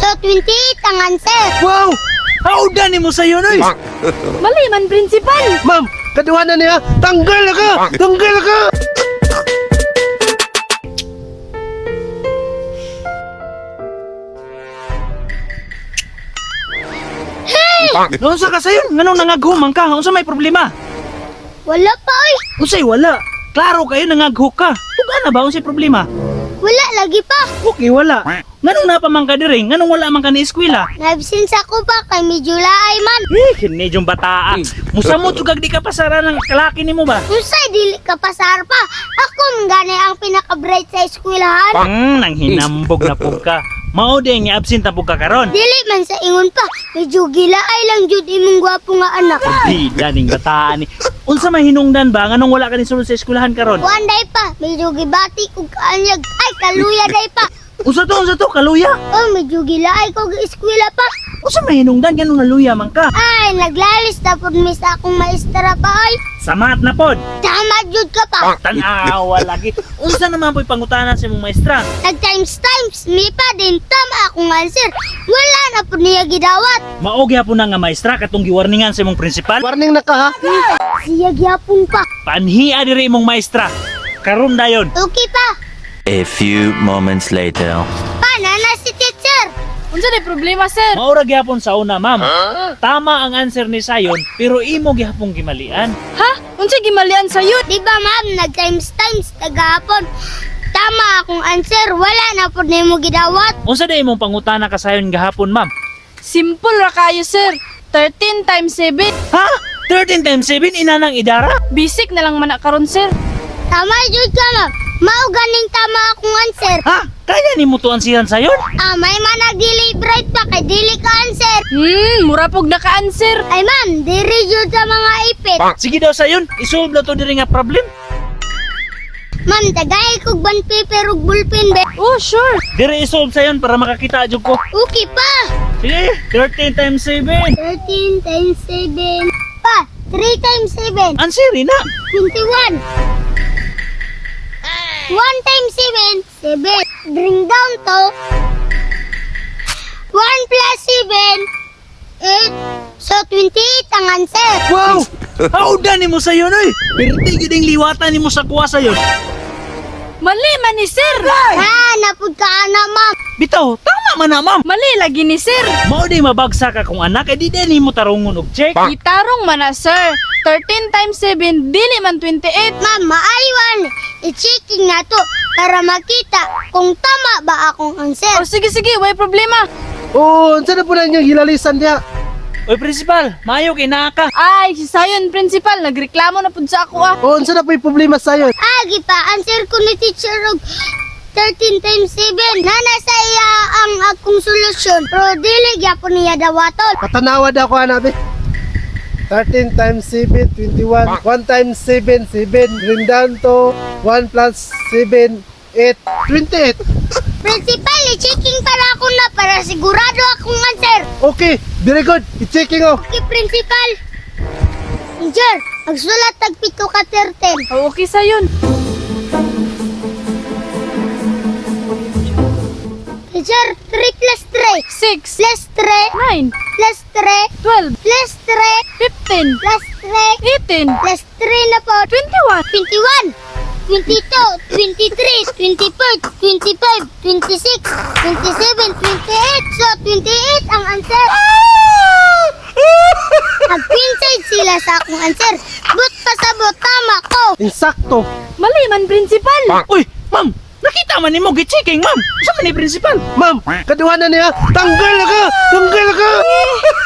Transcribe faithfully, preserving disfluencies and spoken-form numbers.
So, twenty-eight ang answer. Wow! Hauda ni mo sa'yo, noy! Mali man, principal. Ma'am, kaduha na niya. Tanggal na ka! Tanggal na ka! Unsa ka sayon? Nganong nangaghumang ka? Unsa may problema? Wala pa, oy. Unsay wala? Klaro kayo nangaghuk ka. Tuga na ba unsay problema? Wala lagi pa. Okay, wala. Nganong napamang ka diri? Nganong wala man ka ni eskwela? Naibsin sa ko pa kay medyo laay man. Eh, kini yung bataa. Musamot sugag di ka pasara ng kalaki nimo ba? Unsay dili ka pasar pa. Ako man gani ang pinaka-bright sa eskwelahan. Hmm, nang hinambog na pug ka. Mao din nga absent na pug ka karon. Dili man sa ingon pa. Medyo gilaay lang jud imong gwapo nga anak. Di daning bataan ni. Unsa may hinungdan ba nganong wala ka ni sulod sa eskwelahan karon? Kuan day pa. Medyo gibati og kaanyag. Ay, kaluya day pa. Unsa to? Unsa to? Kaluya? Oh, medyo gilaay ko ga eskwela pa. Unsa may hinungdan ganong naluya man ka? Ay, naglalis na po mi sa akong maestra pa ay. Samat na pod. Tama jud ka pa. Tanawa lagi. Unsa naman po'y pangutanan sa imong maestra? Nag times times mi pa din tama akong answer. Wala na po niya gidawat. Mao gyapon na nga maestra katong giwarningan sa imong principal. Warning na ka ha? Siya gyapon pa. Panhia diri imong maestra. Karon dayon. Okay pa. A few moments later. Pana na si teacher. Unsa day problema, sir? Maura gyapon sa una, ma'am. Tama ang answer ni Sayon, pero imo gyapon gimalian. Ha? Unsa gimalian sayo? Di ba ma'am, nag times times tagahapon. Tama akong answer. Wala na po nimo gidawat. Unsa day imong pangutana ka Sayon gahapon, ma'am? Simple ra kayo, sir. thirteen times seven. Ha? thirteen times seven inanang idara? Basic na lang man na karon, sir. Tama jud ka ma'am. Mao ganing tama akong answer. Ha? Kaya ni mo to ansihan Sayon? Ah, may manag dili bright pa kay dili ka answer. Hmm, mura pog naka-answer. Ay ma'am, diri jud sa mga ipit. Sige daw Sayon, isolve na to diri nga problem. Ma'am, tagay kog bond paper ug ballpen be. Oh, sure. Diri isolve Sayon para makakita jud ko. Okay pa. Sige, thirteen times seven. thirteen times seven. Pa, three times seven. Answeri na. twenty-one. one times seven, seven. Bring down to one plus seven, eight. So, twenty-eight ang answer. Wow! Hauda ni mo Sayon, oy! Perti gid ang liwatan ni mo sa kuha Sayon. Mali man ni sir. Ah, napud ka ana, ma'am. Bitaw, tama man na, ma'am. Mali lagi ni sir. Mao di mabagsak akong anak, eh di din mo tarungon og check. Gitarong man na, sir. thirteen times seven, dili man twenty-eight. Ma'am, maaywan. I-checking na to para makita kung tama ba akong answer. Oh, sige, sige, way problema. Oh, saan na po na inyong hilalisan niya? Oy, principal, maayo kay naa ka. Ay, si Sayon, principal, nagreklamo na pud sa ako ah. Oh, saan na po yung problema sa'yo? Agi pa, answer ko ni teacher og thirteen times seven. Nana sa iya ang akong solusyon. Pero dili gyapon niya dawaton. Patanawad ako hanap eh. thirteen times seven, twenty-one. one times seven, seven. Bring down to one plus seven, eight. twenty-eight. Principal, i-checking para ako na para sigurado akong answer. Okay, very good. I-checking oh. Okay, principal. Teacher, magsulat tag pito ka thirteen. Oh, okay, Sayon. Teacher, three plus three. six, Plus three. nine, Plus three. twelve, Plus three. fifteen, Plus three. eighteen, Plus three na po. twenty-one. twenty-one. twenty-two, twenty-three, twenty-four, twenty-five, twenty-six, twenty-seven, twenty-eight. So, twenty-eight ang answer. Nag-pinside sila sa akong answer. But pasabot, tama ko. Insakto. Mali man, principal. Uy, ma'am, nakita man nimo gi-checking, ma'am. Sa man ni principal? Ma'am, kaduha na niya. Tanggal na ka! Tanggal na ka!